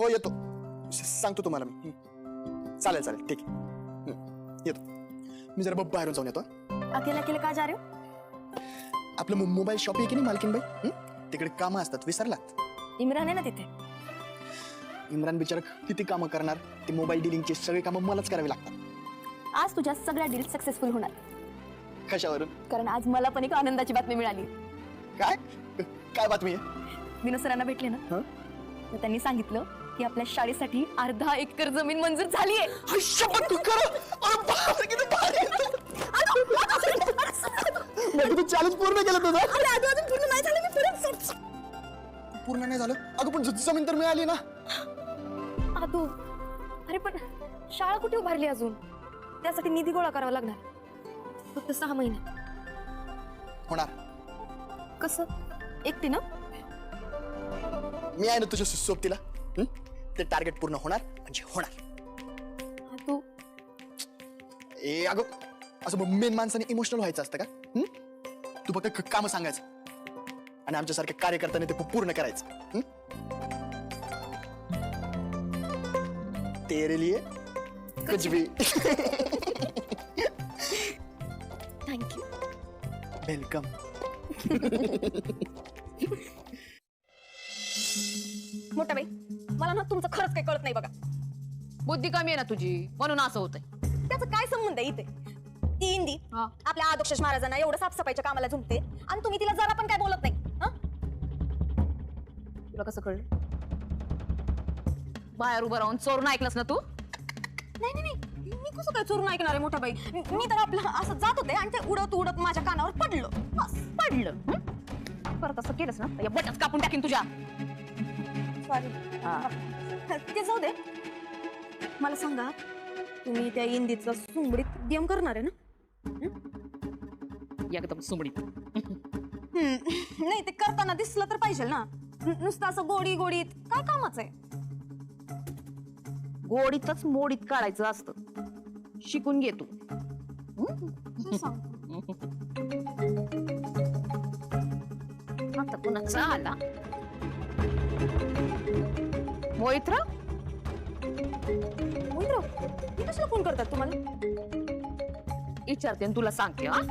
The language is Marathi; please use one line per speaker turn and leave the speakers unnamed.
हो येतो, सांगतो तुम्हाला मी. चालेल चालेल ठीक आहे. येतो मी, जरा बाहेरून जाऊन येतो.
अकेले अकेले का जा रहे हो?
आपलं मोबाईल शॉप आहे की नाही मालकीनबाई, तिकडे कामं असतात, विसरलात?
इम्रान आहे ना तिथे.
इम्रान बिचारा किती कामं करणार, ते मोबाईल डिलिंगचे सगळे कामं मलाच करावे लागतात.
आज तुझ्या सगळ्या डील सक्सेसफुल होणार,
कशावरून?
कारण आज मला पण एक आनंदाची बातमी मिळाली.
काय काय बातमी आहे?
विनोद सरांना भेटले ना,
हं?
तर त्यांनी सांगितलं की आपल्या शाळेसाठी अर्धा एकर जमीन मंजूर झाली आहे.
तू चॅलेंज पूर्ण केलं तुझं?
अजून पूर्ण नाही झालं, मी परत
पूर्ण नाही झालं अगं, पण जमीन तर मिळाली ना.
आदू, अरे पण शाळा कुठे उभारली अजून? त्यासाठी निधी गोळा करावा लागणार, फक्त 6 महिने.
होणार.
कसं एकटी ना?
मी आहे ना तुझ्या सोबतीला. ते टार्गेट पूर्ण होणार म्हणजे होणार.
आदू,
ए अगं, असं मेन माणसाने इमोशनल व्हायचं असतं का? तू फक्त काम सांगायचं आणि आमच्यासारख्या कार्यकर्त्याने ते पूर्ण करायचं. तेरे लिए कुछ भी.
थँक्यू.
वेलकम.
मोठा बाई, मला ना तुमचं खरंच काही कळत नाही बघा.
बुद्धी कमी आहे ना तुझी, म्हणून असं होतंय.
त्याचा काय संबंध आहे इथे? ती इंदी आपल्या आदोक्षेश महाराजांना एवढं साफसफाईच्या कामाला झुमते आणि तुम्ही तिला जरा पण काय बोलत नाही.
तुला कसं कळलं? बाहेर उभं राहून चोरून ऐकलंस ना तू?
नाही नाही नाही, मी कसं काय चोरून ऐकणार आहे मोठा बाई? मी तर आपलं असं जात होते आणि ते उडत उडत माझ्या कानावर पडलं. बस
पडलं. परत असं केलंस ना, या बटच कापून टाकीन तुझ्या.
सॉरी. ते जाऊ दे, मला सांगा, तुम्ही त्या इंदीचा सुंबडीत गेम करणार आहे ना?
एकदम सुमडीत.
नाही, ते करताना दिसलं तर पाहिजे ना. नुसतं असं गोडी गोडीत काय कामाचं आहे?
गोडीतच मोडीत काढायचं असतं. शिकून घे तू. आता कुणाचा आला? मोहितराव?
मोहितराव, मी कशाला फोन करतात तुम्हाला?
विचारते आणि तुला सांगते. हा,